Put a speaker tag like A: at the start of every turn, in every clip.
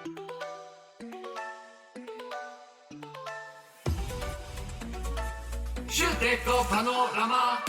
A: 휴대폰 파노라마.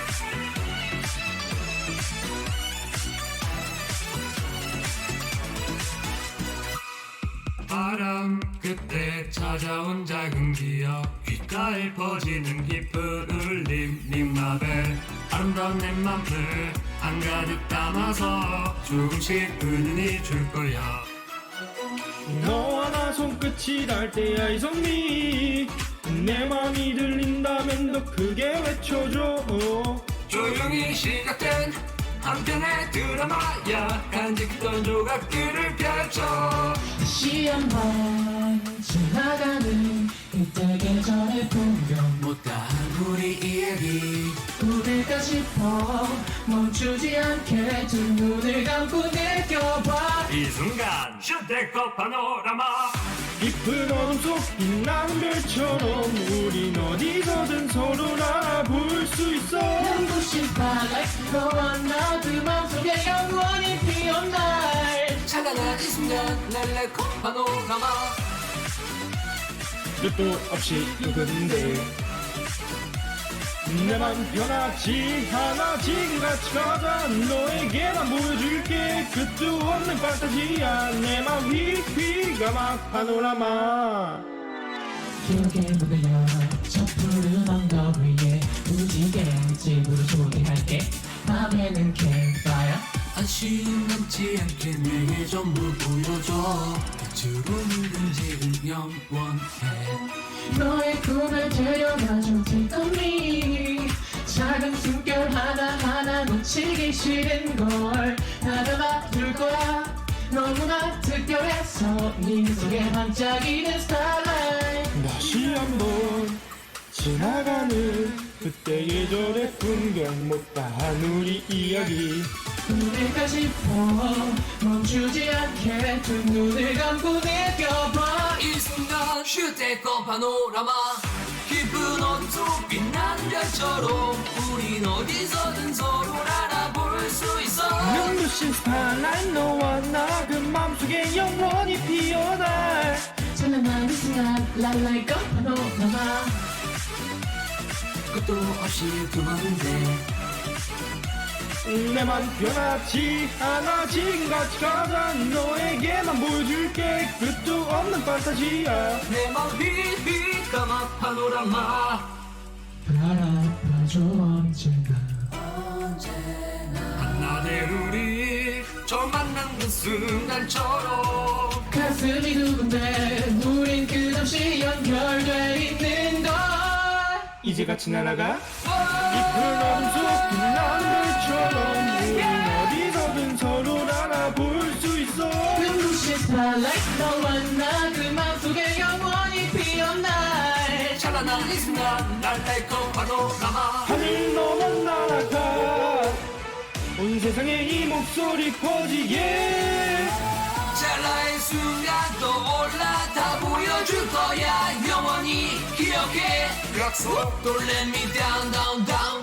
A: 바람 그때 찾아온 작은 기억, 귓가에 퍼지는 깊은 울림. 닉마벨 아름다운 내 맘을 한가득 담아서 조금씩 은은히 줄 거야.
B: 너와 나 손끝이 닿을 때야 이선미, 내 맘이 들린다면 더 크게 외쳐줘.
A: 조용히 시작된 한 편의 드라마야. 간직던 조각들을 펼쳐
C: 다시 한번 지나가는 그때 계절의 풍경,
A: 못다한 우리 이야기.
C: 부를까 싶어 멈추지 않게 두 눈을 감고 느껴봐.
A: 이 순간 휴대폰 파노라마.
B: 깊은 어둠 속 빛나는 별처럼 우린 어디서든 서로를 알아볼 수 있어.
C: 눈부신 spotlight, 너와 나 그 맘속에 영원히 피어날 날.
A: 찬란한 이 순간 랄랄코 파노라마.
B: 끝도 없이 누군데 내 맘 변하지 않아. 지금같이 가자. 너에게만 보여줄게. 끝도 없는 판타지야. 내 맘 휘휘가 막 파노라마.
C: 기억에 문을 열어 저 푸른 언덕 위에 무지개 집으로 초대할게. 밤에는 campfire.
A: 아쉬움 남지 않게 내게 전부 보여줘. 빛으로 물든 지금 영원해.
C: 너의 꿈을 데려가줘 take on me. 작은 숨결 하나하나 놓치기 싫은 걸 다 담아둘 거야. 너무나 특별해서 네 속에 반짝이는 starlight.
B: 다시 한번 지나가는 그때 예절의 풍경, 못다한 우리 이야기.
C: 부를까 싶어 멈추지 않게 두 눈을 감고 느껴봐.
A: 이 순간 휴대폰 파노라마. 깊은 어둠 속 빛나는 별처럼 우린 어디서든 서로를 알아볼 수 있어.
B: 눈부신 스타라이트, 너와 나 그 맘속에 영원히 피어날
C: 찬란한 이 순간 랄랄고 파노라마.
A: 끝도 없이 두 번째
B: 내 맘 변하지 않아. 지금같이 가자. 너에게만 보여줄게. 끝도 없는 판타지야.
A: 내맘 휘휘 까마 파노라마.
C: 바라봐줘 언젠가.
A: 하나 될 우리 처음 만난 그 순간처럼
C: 가슴이 두근데 우린 끝없이 연결돼 있는 걸.
B: 이제 같이 날아가. 깊은 어둠 속 빛나는 별처럼 우린 어디서든 서로를 알아볼 수 있어.
C: 눈부신 starlight, 너와 나 그 맘속에 영원히 피어날
A: 찬란한 이 순간 랄랄코 파노라마.
B: 하늘 넘어 날아가. 온 세상에 이 목소리 퍼지게.
A: 찰나의 순간 떠올라 다 보여줄 거야. 영원히 기억해. 약속. Don't let me down down down